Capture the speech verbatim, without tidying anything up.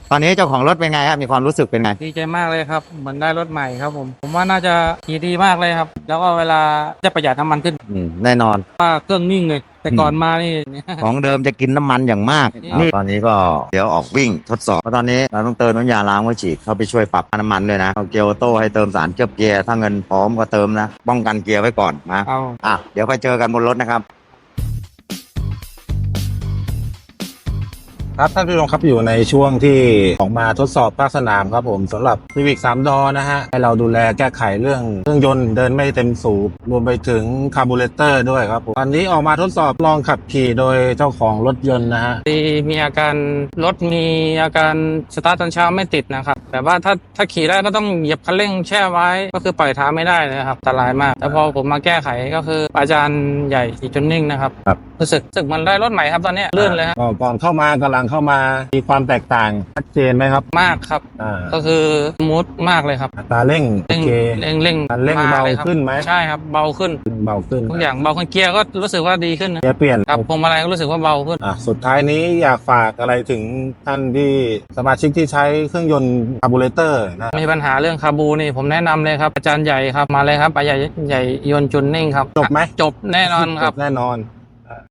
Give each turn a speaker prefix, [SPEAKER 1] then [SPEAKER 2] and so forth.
[SPEAKER 1] ตอนนี้เจ้าของรถเป็นไงครับมีความรู้สึกเป็นไง
[SPEAKER 2] ดีใจมากเลยครับเหมือนได้รถใหม่ครับผมผมว่าน่าจะขี่ดีมากเลยครับแล้วก็เวลาจะประหยัดน้ำมันขึ้น
[SPEAKER 1] อืมแน่นอน
[SPEAKER 2] ว่าเครื่องนิ่งเลยแต่ก่อนมานี่
[SPEAKER 1] ของเดิมจะกินน้ำมันอย่างมาก
[SPEAKER 2] นี่
[SPEAKER 1] นี่ตอนนี้ก็เดี๋ยวออกวิ่งทดสอบเพราะตอนนี้เราต้องเติมน้ำยาล้างไว้ฉีดเข้าไปช่วยปรับน้ำมันด้วยนะเอาเกียร์ออโต้ให้เติมสารเคลือบเกียร์ถ้าเงินพร้อมก็เติมนะป้องกันเกียร์ไว้ก่อนนะ
[SPEAKER 2] เอา
[SPEAKER 1] อ่ะเดี๋ยวไปเจอกันบนรถนะครับ
[SPEAKER 3] ครับท่านผู้ชมครับอยู่ในช่วงที่ออกมาทดสอบภาคสนามครับผมสำหรับ Civic สามดอนะฮะให้เราดูแลแก้ไขเรื่องเครื่องยนต์เดินไม่เต็มสูบรวมไปถึงคาร์บูเรเตอร์ด้วยครับผมวันนี้ออกมาทดสอบลองขับขี่โดยเจ้าของรถยนต์นะฮะ
[SPEAKER 2] มีมีอาการรถมีอาการสตาร์ทตอนเช้าไม่ติดนะครับแต่ว่าถ้าถ้าขี่ได้ก็ต้องเหยียบคันเร่งแช่ไว้ก็คือปล่อยเท้าไม่ได้เลยครับอันตรายมากแต่พอผมมาแก้ไขก็คืออาจารย์ใหญ่สีจนนิ่งนะครับรู้สึกรู้สึกมันได้รถใหม่ครับตอนนี้ลื่นเลยครับ
[SPEAKER 3] ก่อนเข้ามากำลังเข้ามามีความแตกต่างชัดเจนไหมครับ
[SPEAKER 2] มากครับ
[SPEAKER 3] อ่า
[SPEAKER 2] ก็คือมูดมากเลยครับ
[SPEAKER 3] อัตราเร่งโอ
[SPEAKER 2] เร่ง
[SPEAKER 3] เค
[SPEAKER 2] เร่งเร่ง
[SPEAKER 3] คันเร่ง
[SPEAKER 2] ม
[SPEAKER 3] เบา
[SPEAKER 2] ลยครับ
[SPEAKER 3] ขึ้นไหม
[SPEAKER 2] ใช่ครับเบาขึ้น
[SPEAKER 3] เบาขึ้น
[SPEAKER 2] ทุกอย่างเบาขึ้นเกียร์ก็รู้สึกว่าดีขึ้นนะ
[SPEAKER 3] เกียร์เปลี่ยน
[SPEAKER 2] ครับพวงมาลัยก็รู้สึกว่าเบาขึ้น
[SPEAKER 3] อ่ะสุดท้ายนี้อยากฝากอะไรถึงท่านที่สมาชิกที่ใช้เครื่องยนต์คาร์บูเรเตอร์นะ
[SPEAKER 2] มีปัญหาเรื่องคาบูนี่ผมแนะนำเลยครับอาจารย์ใหญ่ครับมาเลยครับอาจารย์ใหญ่ยนต์จุนนิ่งครับ
[SPEAKER 3] จบไหม
[SPEAKER 2] จบแน่นอนครับ
[SPEAKER 3] แน่นอน